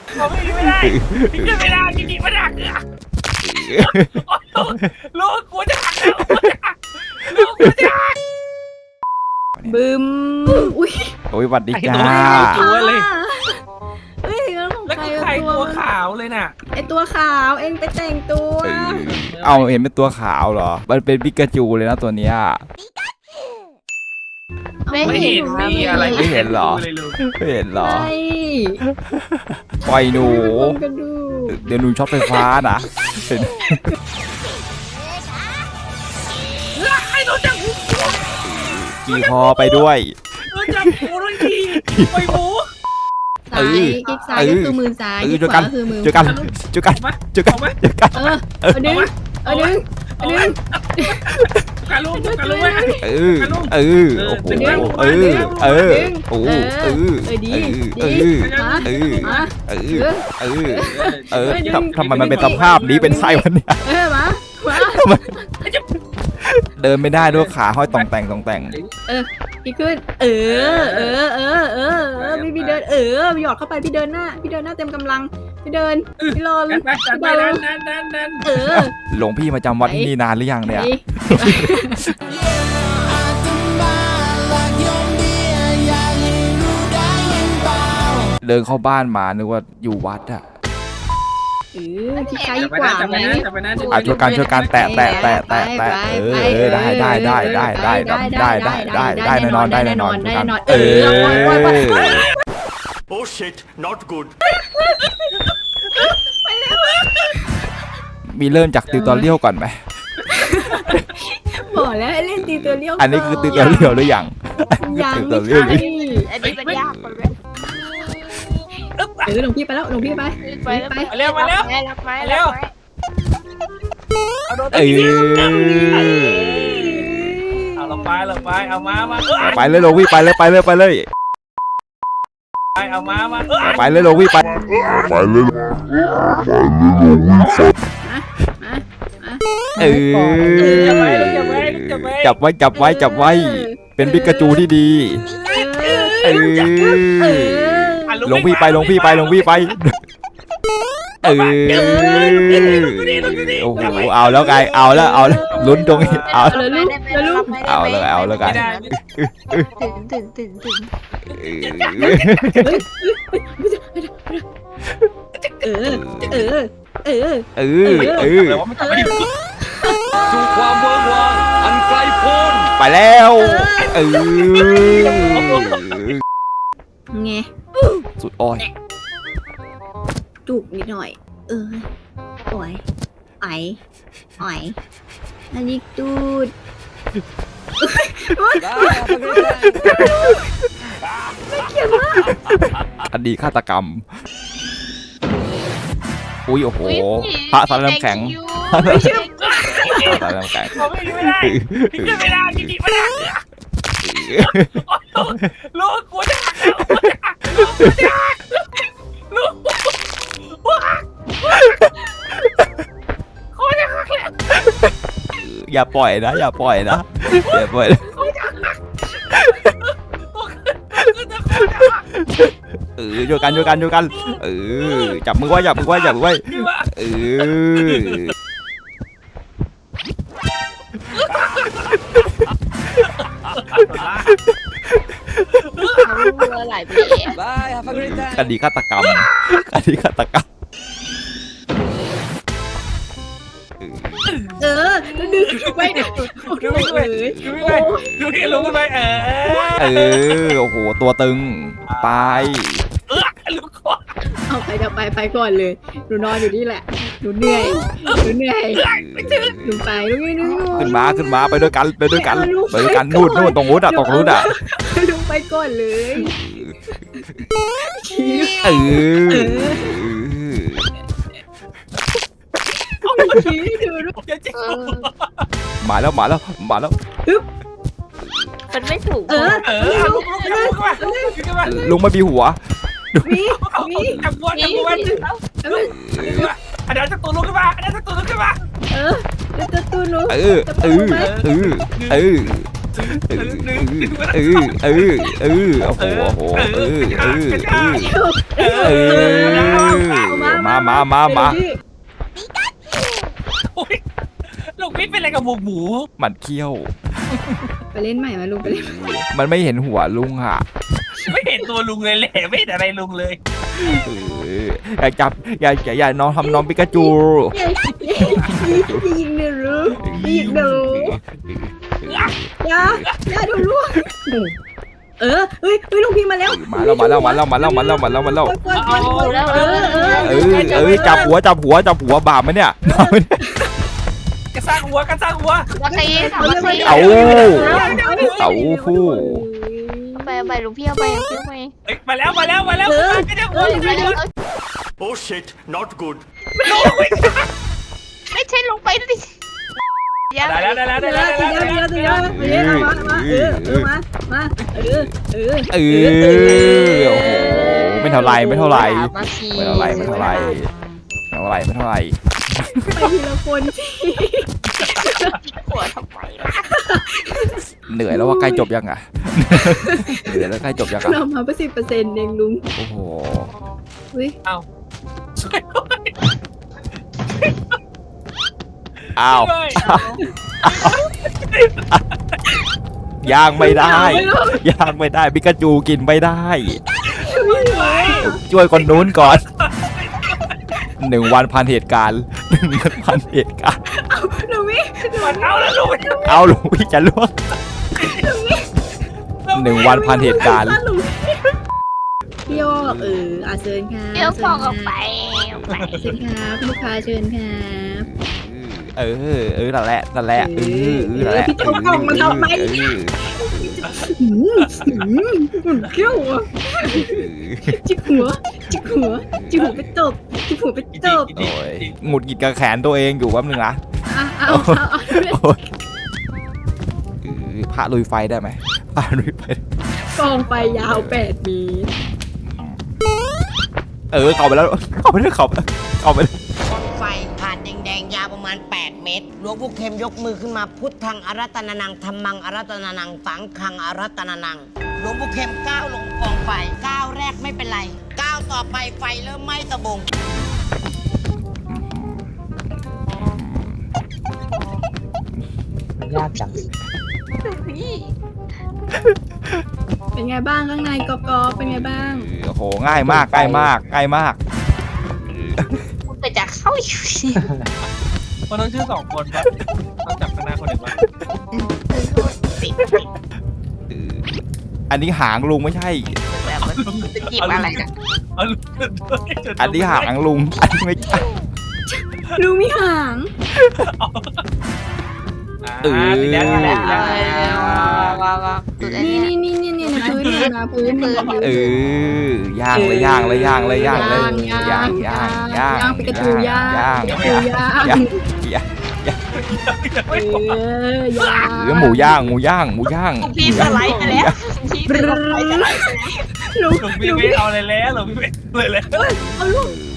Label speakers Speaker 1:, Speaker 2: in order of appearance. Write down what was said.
Speaker 1: เขาไม่ได้พี่ขึ้นไม่ได้จริงๆไม่ได้ลูกกูจะหักแล้วลูกกูจะหัก
Speaker 2: บึมอุ้ย
Speaker 3: โอ้ยสวัสดีจ้า
Speaker 1: ตัวเลย
Speaker 2: เฮ้ยแล้วของ
Speaker 1: แล้ว
Speaker 2: ใคร
Speaker 1: ก็ใครตัวขาวเลยน่ะ
Speaker 2: ไอตัวขาวเองไปแต่งตัว
Speaker 3: เอาเห็นเป็นตัวขาวเหรอมันเป็นปิกาจูเลยนะตัวเนี้ย
Speaker 1: ไม่เห็นมีอะไร
Speaker 3: ไม่เห็นเหรอ
Speaker 1: เลยลูก
Speaker 3: ไม่เห็นเหรอ
Speaker 2: ใช่
Speaker 3: ปล่อยหนู
Speaker 2: กระดูก
Speaker 3: เดี๋ยวหนูช็อตไฟฟ้านะเห็น
Speaker 1: ไอ้ตัวจับหู
Speaker 3: ขี่คอไปด้วย
Speaker 1: ตัวจับหูทั้งทีไปหมู
Speaker 2: ซ้ายคลิกซ้ายก็คือมือซ้ายคลิก
Speaker 3: เจอ
Speaker 2: ข
Speaker 3: กั
Speaker 2: วาน ก็คือมือ
Speaker 3: เจอกันเจอกันเจอกันเจอกัน
Speaker 2: เอาดึงเอาดึง
Speaker 1: เอาไว้การลูกไว้
Speaker 3: โอ้โหโอ้ดีทำไมมันเป็นสภาพนี้เป็นไส้วันนี้
Speaker 2: มา
Speaker 3: เดินไม่ได้ด้วยขาห้อยตองแต่ง
Speaker 2: พี่ขึ้นพี่เดินหยอดเข้าไปพี่เดินหน้าเต็มกำลังพี่เดินพี่รอ
Speaker 1: ไปนั่น
Speaker 3: หลวงพี่มาจำวัดที่นี่นานหรือยังเนี่ยเดินเข้าบ้านมานึกว่าอยู่วัดอะ
Speaker 2: ที่ไกลกว่าไหม
Speaker 3: ช่วยกันแตะได้แน่นอน
Speaker 4: โอ้ shit not good
Speaker 3: มีเริ่มจากติวตอเรียลก่อนไหม
Speaker 2: บอกแล้วให้เล่นตีตัวเลี้ยว
Speaker 3: อันนี้คือติวตอเรียลหรือยัง
Speaker 2: ยัง
Speaker 3: ติวต
Speaker 2: ไม่
Speaker 3: อเรียล
Speaker 2: ใช่
Speaker 5: อันนี้มันยากกว่าเลย
Speaker 2: หลวงพี่ไปแล้วหลวงพี่ไป
Speaker 1: เร็วมาแล้ว
Speaker 5: รับไม้
Speaker 1: เร็ว เอาโดนตีเอาลงไปเอามา
Speaker 3: ไปเลยหลวงพี่ไปเลย
Speaker 1: เอามา
Speaker 3: ไปเลยหลวงพี่ไปจับไว้เป็นปิกาจูที่ดีหลวงพี่ไปโอ้โหเอาแล้วไงเอาแล้วลุ้นตรงนี้เอาแล้วกัน
Speaker 5: ถึง
Speaker 4: สู่ความเวิร์กวางอันไกลโพ้น
Speaker 3: ไปแล้ว
Speaker 2: ไง
Speaker 3: สุดอ้อย
Speaker 2: จุกนิดหน่อยโอ้ยอันนี้ตูด
Speaker 3: คดีฆาตกรรมอุ้ยโอ้โหพระสารน้ำแข็งสารน้ำแข็ง
Speaker 1: เขาไม่ได้พี่ขึ้นไม่ได้จริงๆไม่ได้ลูกกูจะหักลูกเขาจะหักแล้ว
Speaker 3: อย่าปล่อยนะช่วยกันจับมือไว้
Speaker 5: หลายปี
Speaker 3: คดีฆาตกรรม
Speaker 2: ดึงไป
Speaker 1: ลงไป
Speaker 3: โอ้โหตัวตึงไป
Speaker 1: ลูกคอ
Speaker 2: เอาไปก่อนเลยหนูนอนอยู่นี่แหละหนูเหนื่อยหนูไปลูก
Speaker 3: ขึ้นมาไปด้วยกันนู่นตรงนู้นอะ
Speaker 2: ลุงไปก่อนเลยชี้ดูลูก
Speaker 3: มาแล้ว
Speaker 5: มันไม่ถูก
Speaker 3: ลุงไม่มีหัว
Speaker 1: จับกูไว้อันนั้นจะตัวลุกขึ้นมา
Speaker 2: จะตูนู
Speaker 3: โอ้โหมา
Speaker 1: โอ้ยลูกพี่เป็นอะไรกับหมู
Speaker 3: มันเขี้ยว
Speaker 2: ไปเล่นใหม่มาลุงไปเล่น
Speaker 3: มันไม่เห็นหัวลุงอ่ะ
Speaker 1: ไม่เห็นตัวลุงเลยแหละไม่เห็นอะไรลุงเลย
Speaker 3: อยากจับอย่าน้องทำน้องปิกาจู
Speaker 2: ยิงหนูยิงหนูอย่าดูลูกเฮ้ยลุงพี่มาแล้ว
Speaker 3: มาแล้ว จับหัวบาปไหมเนี่ย
Speaker 1: กระซ่างหัว
Speaker 5: วัคซีน
Speaker 3: เอาผู้
Speaker 5: ไปลุงพี่เอาไป
Speaker 1: เอ้ยมาแล้วก็จะหัว
Speaker 6: Oh shit, not good.
Speaker 5: ไม่ใช่ลงไปดิ
Speaker 1: ได้แล้ว
Speaker 3: โอ้โหไม่เท่าไร
Speaker 5: มาชี
Speaker 3: ไปที
Speaker 2: ละคนสิ
Speaker 5: หัวทำไม
Speaker 3: เหนื่อยแล้วว่าใกล้จบยังอ่ะ เหนื่อยแล้วใกล้จบยังอ่ะ
Speaker 2: เรามา10%เองลุง
Speaker 3: โอ้โห อ้าวย่างไม่ได้ปิกาจูกินไม่ได้ ช่วยคนนู้นก่อน1 วันพันเหตุการณ์
Speaker 2: ลุงพี่
Speaker 1: มันเอาแล้วลุง
Speaker 3: เอาหลวงพี่จะล่วง1 วันพันเหตุการณ์
Speaker 2: พี่โยกเชิญค่ะ
Speaker 5: เดี๋ยวฟองออกไป
Speaker 2: เชิญครับลูกค้าเชิญครับ
Speaker 3: นั่นแหละนั่นแหละ
Speaker 2: พี่จะเอากล่องมาทำไมเขี้ยวอ่ะจิกหัวไปตบ
Speaker 3: โอ้ยหงุดหงิดกับแขนตัวเองอยู่แป๊บนึงนะ
Speaker 2: เอา
Speaker 3: พระลุยไฟได้ไหมพระลุยไฟ
Speaker 2: กองไฟยาว8 เมตร
Speaker 3: เข้าไปแล้วเข้าไปเลย
Speaker 7: กองไฟผ่านแดงๆยาวประมาณ8 เมตรหลวงปู่เข็มยกมือขึ้นมาพุทธังอารัตนานังธรรมังอารัตนานังสังฆังอารัตนานังหลวงปู่เข็มก้าวลงกองไฟก้าวแรกไม่เป็นไรก้าวต่อไปไฟเริ่มไหม้ตะบง
Speaker 4: ยากจัง
Speaker 2: เป็นไงบ้างข้างในกอบเป็นไงบ้าง
Speaker 3: โอ้โหง่ายมาก
Speaker 5: ไปจากเข้าอยู่สิ
Speaker 1: คนต้องชื่อ2 คนป่ะต้องจับข้างหน้าคนหนึ่งป่ะ
Speaker 3: อันนี้หางลุงไม่ใช่
Speaker 5: แบบว่าจะจีบอะไรกัน
Speaker 1: เอาลุง
Speaker 3: อันนี้หางลุงอันนี้ไม่ใช่
Speaker 2: ลุงมีหาง
Speaker 1: ทีแล้ว
Speaker 5: ว้าว
Speaker 2: นี่พื้น
Speaker 3: ย่าง
Speaker 2: ปิกาจูย่าง
Speaker 3: หมูย่าง
Speaker 5: พี่สไลด์ไปแล้วพี่สไลด์ไปแล้ว
Speaker 2: ลุง
Speaker 1: พี่ไม่เอาเลยแล้วลุงพี่ไม่เลยแล้ว
Speaker 2: เอาลูก